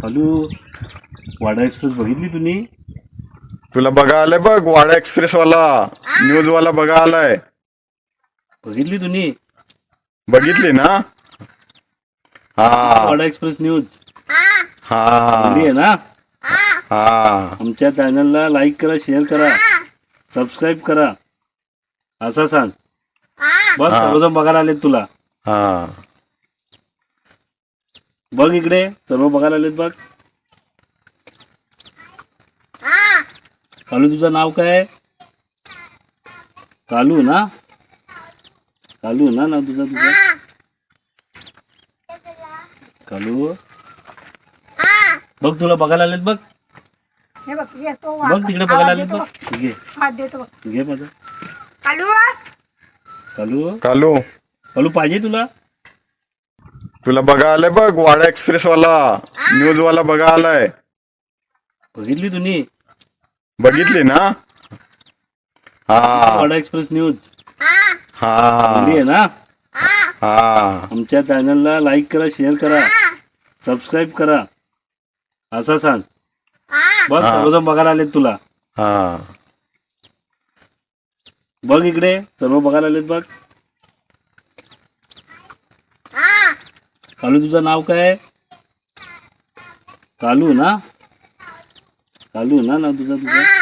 Hello, वाडा express बघितली तुम्ही? तुला बघा आलाय बघ, वाडा एक्सप्रेस वाला न्यूज वाला बघा आलाय. बघितली तुम्ही? बघितली ना? हा वाडा एक्सप्रेस न्यूज हा चांगली आहे ना? हा आमच्या चॅनलला लाईक करा, शेअर करा, सबस्क्राईब करा, असं सांग. बघ, सर्वजण बघायला आलेत तुला. हा बघ इकडे, सर्व बघायला आलेत बघ. कालू, तुझं नाव काय? कालू ना? कालू ना नाव तुझं? कालू, बघ तुला बघायला आलेत बघ. हे बघ येतो बघ तिकडे बघायला आलेत बघ. घे हात देतो बघ. घे माझं. कालू कालू, कालू कालू पाहिजे तुला? तुला बघा आलाय बघ, वाडा एक्सप्रेस वाला न्यूज वाला बघा आलाय. बघितली तुम्ही? बघितली ना? हा वाडा एक्सप्रेस न्यूज हा चांगली आहे ना? हा आमच्या चॅनलला लाईक करा, शेअर करा, सबस्क्राईब करा, असं सांग. बघ, सर्वजण बघायला आलेत तुला. हा बघ इकडे, सर्व बघायला आलेत बघ. कालू, तुझं नाव काय? कालू ना? कालू ना नाव तुझं?